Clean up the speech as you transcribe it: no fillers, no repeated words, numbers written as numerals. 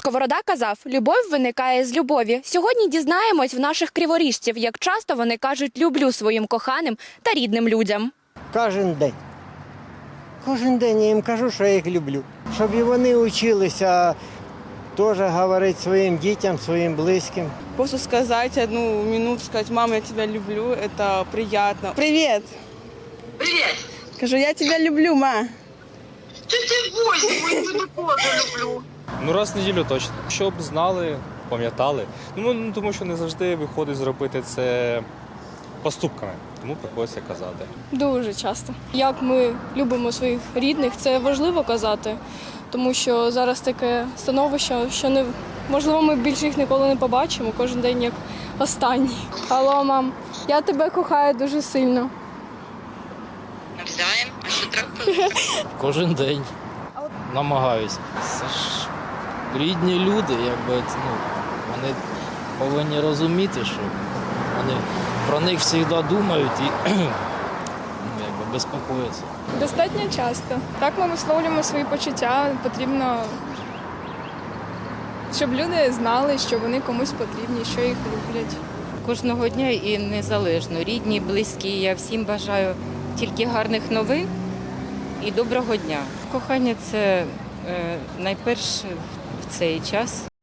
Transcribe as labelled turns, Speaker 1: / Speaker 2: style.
Speaker 1: Сковорода казав, любов виникає з любові. Сьогодні дізнаємось в наших криворіжців, як часто вони кажуть «люблю» своїм коханим та рідним людям.
Speaker 2: Кожен день. Кожен день я їм кажу, що я їх люблю. Щоб і вони вчилися теж говорити своїм дітям, своїм близьким.
Speaker 3: Просто сказать одну минуту, сказать, мама, я тебя люблю, это приятно. Привет!
Speaker 4: Привет!
Speaker 3: Скажу, я тебя люблю, ма.
Speaker 4: Ти возьму, я тебе теж люблю.
Speaker 5: Ну, раз в неділю точно. Щоб знали, пам'ятали. Тому що не завжди виходить зробити це поступками. Тому приходиться казати.
Speaker 6: Дуже часто. Як ми любимо своїх рідних, це важливо казати, тому що зараз таке становище, що можливо ми більше їх ніколи не побачимо, кожен день як останній. Алло, мам, я тебе кохаю дуже сильно.
Speaker 4: Навзаєм, а що трапилось?
Speaker 7: Кожен день намагаюся. Це ж рідні люди, вони повинні розуміти, що вони про них завжди думають і безпокояться.
Speaker 6: Достатньо часто. Так ми висловлюємо свої почуття. Потрібно, щоб люди знали, що вони комусь потрібні, що їх люблять.
Speaker 8: Кожного дня і незалежно. Рідні, близькі. Я всім бажаю тільки гарних новин і доброго дня. Кохання – це найперше в цей час.